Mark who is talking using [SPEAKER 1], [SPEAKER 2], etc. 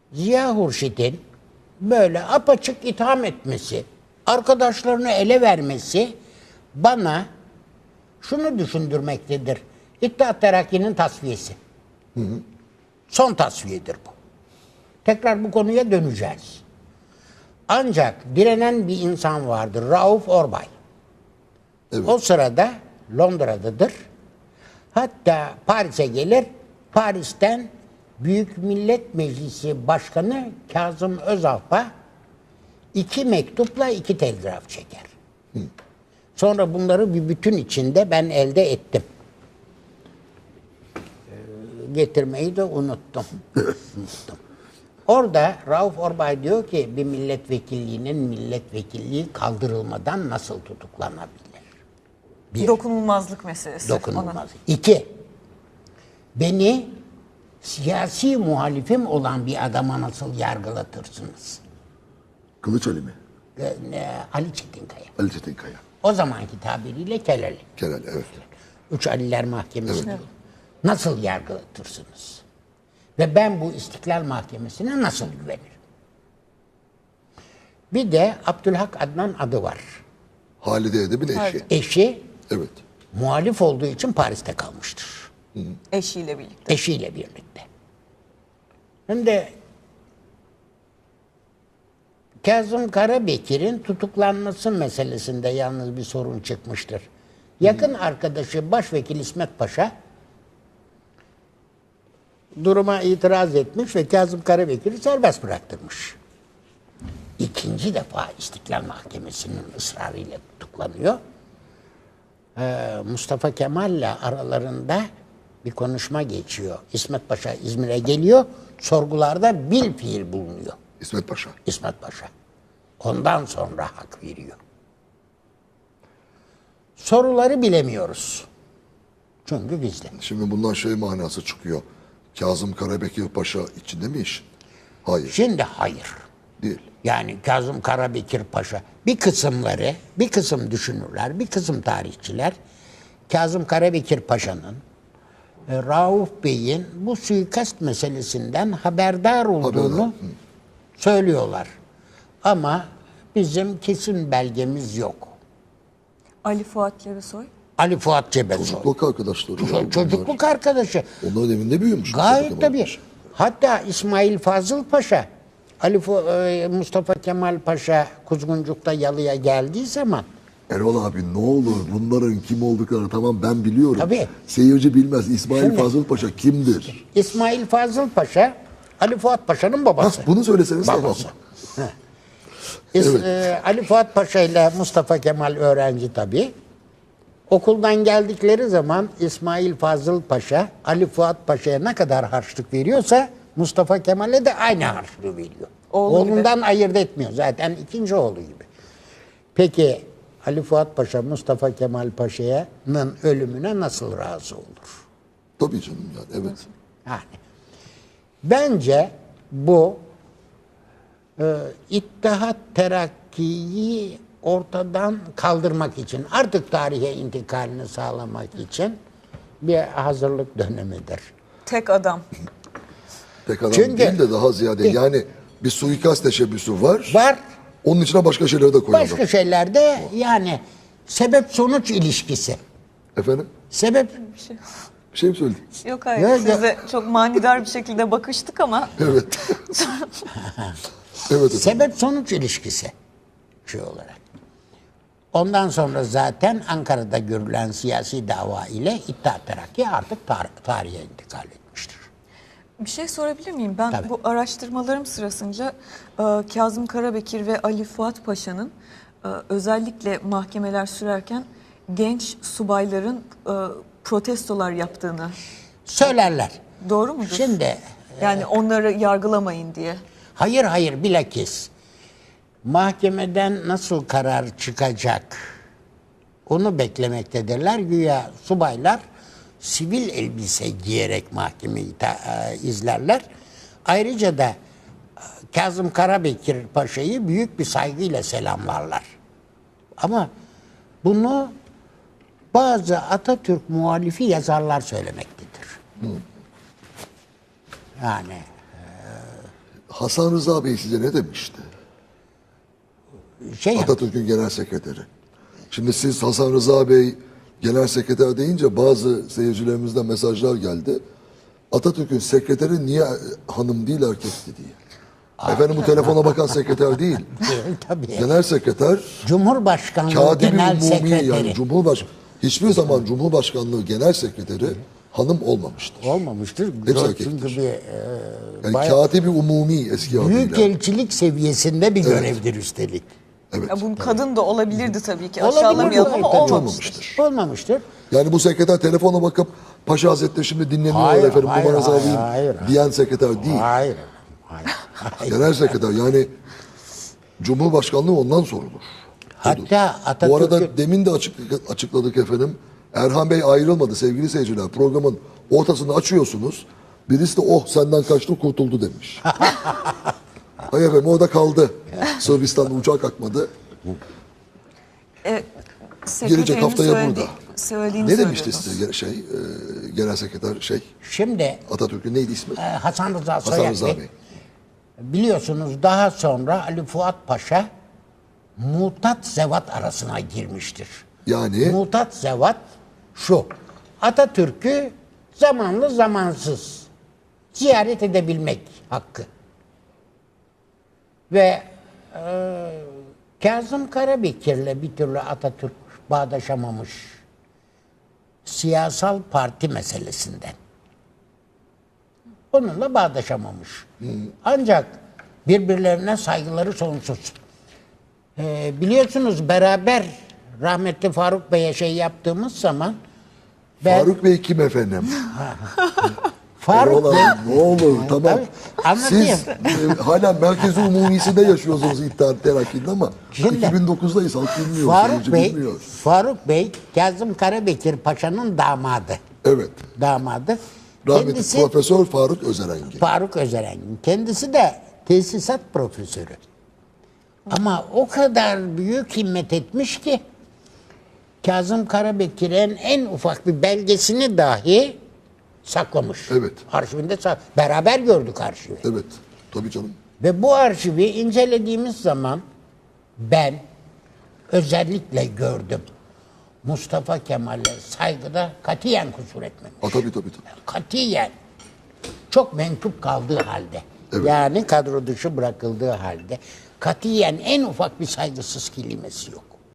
[SPEAKER 1] Ziya Hurşit'in böyle apaçık itham etmesi, arkadaşlarını ele vermesi bana şunu düşündürmektedir. İttihat Terakki'nin tasfiyesi. Son tasfiyedir bu. Tekrar bu konuya döneceğiz. Ancak direnen bir insan vardır. Rauf Orbay.
[SPEAKER 2] Evet.
[SPEAKER 1] O sırada Londra'dadır. Hatta Paris'e gelir. Paris'ten Büyük Millet Meclisi Başkanı Kazım Özalp'a 2 mektupla 2 telgraf çeker. Sonra bunları bir bütün içinde ben elde ettim. Getirmeyi de unuttum. Orada Rauf Orbay diyor ki bir milletvekilliğinin milletvekilliği kaldırılmadan nasıl tutuklanabilir? Bir,
[SPEAKER 3] Dokunulmazlık meselesi.
[SPEAKER 1] dokunulmaz. 2, beni siyasi muhalifim olan bir adama nasıl yargılatırsınız?
[SPEAKER 2] Kılıç Ali mi?
[SPEAKER 1] Ali Çetinkaya.
[SPEAKER 2] Ali Çetinkaya.
[SPEAKER 1] O zamanki tabiriyle Kelali.
[SPEAKER 2] Kerel, evet.
[SPEAKER 1] 3 Aliler Mahkemesi. Evet. Nasıl yargılatırsınız? Ve ben bu İstiklal Mahkemesi'ne nasıl güvenirim? Bir de Abdülhak Adnan adı var.
[SPEAKER 2] Halide Edip'in eşi.
[SPEAKER 1] Eşi
[SPEAKER 2] Evet.
[SPEAKER 1] muhalif olduğu için Paris'te kalmıştır.
[SPEAKER 3] Eşiyle birlikte.
[SPEAKER 1] Eşiyle birlikte. Hem de Kazım Karabekir'in tutuklanması meselesinde yalnız bir sorun çıkmıştır. Yakın arkadaşı Başvekil İsmet Paşa duruma itiraz etmiş ve Kazım Karabekir'i serbest bıraktırmış. İkinci defa İstiklal Mahkemesi'nin ısrarıyla tutuklanıyor. Mustafa Kemal'le aralarında bir konuşma geçiyor. İsmet Paşa İzmir'e geliyor, sorgularda bilfiil bulunuyor.
[SPEAKER 2] İsmet Paşa.
[SPEAKER 1] İsmet Paşa. Ondan sonra hak veriyor. Soruları bilemiyoruz. Çünkü gizli.
[SPEAKER 2] Şimdi bundan şey manası çıkıyor. Kazım Karabekir Paşa içinde mi işin? Hayır.
[SPEAKER 1] Şimdi hayır.
[SPEAKER 2] Değil.
[SPEAKER 1] Yani Kazım Karabekir Paşa bir kısımları, bir kısım düşünürler, bir kısım tarihçiler Kazım Karabekir Paşa'nın Rauf Bey'in bu suikast meselesinden haberdar olduğunu söylüyorlar. Ama bizim kesin belgemiz yok.
[SPEAKER 3] Ali Fuat Cebesoy.
[SPEAKER 1] Ali Fuat Cebesoy.
[SPEAKER 2] Çocukluk arkadaşları.
[SPEAKER 1] Çocukluk arkadaşı.
[SPEAKER 2] Onların evinde büyümüş.
[SPEAKER 1] Gayet tabii. Hatta İsmail Fazıl Paşa, Mustafa Kemal Paşa Kuzguncuk'ta yalıya geldiği zaman
[SPEAKER 2] Erol abi ne olur bunların kim olduklarını tamam ben biliyorum.
[SPEAKER 1] Tabii.
[SPEAKER 2] Seyirci bilmez. İsmail
[SPEAKER 1] Şimdi-
[SPEAKER 2] Fazıl Paşa kimdir?
[SPEAKER 1] İsmail Fazıl Paşa Ali Fuat Paşa'nın babası.
[SPEAKER 2] Bunu söyleseniz tamam.
[SPEAKER 1] Babası. Ali Fuat Paşa ile Mustafa Kemal öğrenci tabii. Okuldan geldikleri zaman İsmail Fazıl Paşa Ali Fuat Paşa'ya ne kadar harçlık veriyorsa Mustafa Kemal'e de aynı harçlığı veriyor. Oğlundan ayırt etmiyor. Zaten ikinci oğlu gibi. Peki Ali Fuat Paşa Mustafa Kemal Paşa'nın ölümüne nasıl razı olur?
[SPEAKER 2] Tabii canım yani evet.
[SPEAKER 1] Yani bence bu İttihat Terakki'yi ortadan kaldırmak için, artık tarihe intikalini sağlamak için bir hazırlık dönemidir.
[SPEAKER 3] Tek adam.
[SPEAKER 2] Tek adam
[SPEAKER 1] Çünkü-
[SPEAKER 2] değil de daha ziyade yani bir suikast teşebbüsü var.
[SPEAKER 1] Var.
[SPEAKER 2] Onun içine başka şeyleri de koyalım.
[SPEAKER 1] Başka şeylerde yani sebep-sonuç ilişkisi.
[SPEAKER 2] Efendim?
[SPEAKER 1] Sebep
[SPEAKER 2] Bir şey mi söyledin?
[SPEAKER 3] Yok hayır.
[SPEAKER 1] Yok,
[SPEAKER 3] Size çok manidar bir şekilde bakıştık ama
[SPEAKER 2] Evet. Evet efendim.
[SPEAKER 1] sebep-sonuç ilişkisi şey olarak. Ondan sonra zaten Ankara'da görülen siyasi dava ile İttihat Terakki artık tarihe intikal etmiştir.
[SPEAKER 3] bir şey sorabilir miyim? Ben
[SPEAKER 1] Tabii.
[SPEAKER 3] bu araştırmalarım sırasınca Kazım Karabekir ve Ali Fuat Paşa'nın özellikle mahkemeler sürerken genç subayların protestolar yaptığını,
[SPEAKER 1] Söylerler.
[SPEAKER 3] doğru mudur?
[SPEAKER 1] Şimdi
[SPEAKER 3] Yani onları yargılamayın diye.
[SPEAKER 1] hayır bilakis mahkemeden nasıl karar çıkacak onu beklemektedirler. Güya subaylar sivil elbise giyerek mahkemeyi izlerler. Ayrıca da Kazım Karabekir Paşa'yı büyük bir saygıyla selamlarlar. Ama bunu bazı Atatürk muhalifi yazarlar söylemektedir. Yani
[SPEAKER 2] Hasan Rıza Bey size ne demişti?
[SPEAKER 1] Şey
[SPEAKER 2] Atatürk'ün genel sekreteri. Şimdi siz Hasan Rıza Bey genel sekreter deyince bazı seyircilerimizden mesajlar geldi. Atatürk'ün sekreteri niye hanım değil erkekti diye. Efendim bu telefona bakan sekreter değil.
[SPEAKER 1] tabii.
[SPEAKER 2] Genel sekreter
[SPEAKER 1] Cumhurbaşkanlığı
[SPEAKER 2] katibi
[SPEAKER 1] Genel
[SPEAKER 2] umumi
[SPEAKER 1] Sekreteri.
[SPEAKER 2] yani hiçbir zaman Cumhurbaşkanlığı genel sekreteri hanım olmamıştır.
[SPEAKER 1] Olmamıştır.
[SPEAKER 2] Hepsi
[SPEAKER 1] Çünkü
[SPEAKER 2] erkektir.
[SPEAKER 1] bir
[SPEAKER 2] Yani
[SPEAKER 1] bayağı
[SPEAKER 2] katibi umumi eski adıyla.
[SPEAKER 1] büyükelçilik seviyesinde bir görevdir üstelik.
[SPEAKER 2] Evet.
[SPEAKER 3] Ya bunun kadın da olabilirdi tabii ki.
[SPEAKER 1] Olabilir,
[SPEAKER 3] Aşağılamayalım ama
[SPEAKER 1] tabii.
[SPEAKER 3] olmamıştır.
[SPEAKER 1] Olmamıştır.
[SPEAKER 2] Yani bu sekreter telefona bakıp Paşa Hazretleri şimdi dinleniyor
[SPEAKER 1] Hayır,
[SPEAKER 2] efendim
[SPEAKER 1] hayır,
[SPEAKER 2] numaranızı
[SPEAKER 1] hayır,
[SPEAKER 2] alayım
[SPEAKER 1] hayır.
[SPEAKER 2] diyen sekreter değil.
[SPEAKER 1] Hayır. Hayır.
[SPEAKER 2] Genel sekreter yani Cumhurbaşkanlığı ondan sorulur.
[SPEAKER 1] Hatta
[SPEAKER 2] Bu
[SPEAKER 1] Atatürk'ün
[SPEAKER 2] arada demin de açıkladık efendim. Erhan Bey ayrılmadı sevgili seyirciler. Programın ortasını açıyorsunuz. Birisi de oh senden kaçtı kurtuldu demiş. Hayır efendim orada kaldı. Sırbistan'da uçağa kalkmadı. Gelecek haftaya burada.
[SPEAKER 3] Söylediğini
[SPEAKER 2] Ne demişti
[SPEAKER 3] söylüyordunuz.
[SPEAKER 2] size genel sekreter
[SPEAKER 1] şimdi
[SPEAKER 2] Atatürk'ün neydi ismi?
[SPEAKER 1] Hasan Rıza
[SPEAKER 2] Hasan
[SPEAKER 1] Soyer
[SPEAKER 2] Rıza
[SPEAKER 1] Bey,
[SPEAKER 2] Bey.
[SPEAKER 1] biliyorsunuz daha sonra Ali Fuat Paşa mutat zevat arasına girmiştir.
[SPEAKER 2] Yani
[SPEAKER 1] Mutat zevat şu: Atatürk'ü zamanlı zamansız ziyaret edebilmek hakkı. Ve Kazım Karabekir'le bir türlü Atatürk bağdaşamamış siyasal parti meselesinden. Onunla bağdaşamamış. Ancak birbirlerine saygıları sonsuz. Biliyorsunuz beraber rahmetli Faruk Bey'e şey yaptığımız zaman ben
[SPEAKER 2] Faruk Bey kim efendim?
[SPEAKER 1] Faruk Bey
[SPEAKER 2] Ne olur tamam.
[SPEAKER 1] Tabii, anlatayım.
[SPEAKER 2] Siz hala Merkez-i Umumisi'nde yaşıyorsunuz İttihat Terakki'de ama
[SPEAKER 1] Şimdi,
[SPEAKER 2] 2009'dayız halk bilmiyor.
[SPEAKER 1] Faruk
[SPEAKER 2] seyirci
[SPEAKER 1] Bey,
[SPEAKER 2] bilmiyor.
[SPEAKER 1] Faruk Bey Kazım Karabekir Paşa'nın damadı.
[SPEAKER 2] Evet.
[SPEAKER 1] Damadı.
[SPEAKER 2] Rahmetli
[SPEAKER 1] Kendisi
[SPEAKER 2] Profesör Faruk Özerengi.
[SPEAKER 1] Faruk Özerengin. Kendisi de tesisat profesörü. Ama o kadar büyük himmet etmiş ki Kazım Karabekir'in en ufak bir belgesini dahi saklamış.
[SPEAKER 2] Evet.
[SPEAKER 1] Arşivinde beraber gördük arşivi.
[SPEAKER 2] Evet. Tabii canım.
[SPEAKER 1] Ve bu arşivi incelediğimiz zaman ben özellikle gördüm. Mustafa Kemal'e saygıda katiyen kusur etmemiş.
[SPEAKER 2] Tabii.
[SPEAKER 1] Katiyen. Çok menkup kaldığı halde.
[SPEAKER 2] Evet.
[SPEAKER 1] Yani kadro dışı bırakıldığı halde. Katiyen en ufak bir saygısız kelimesi yok.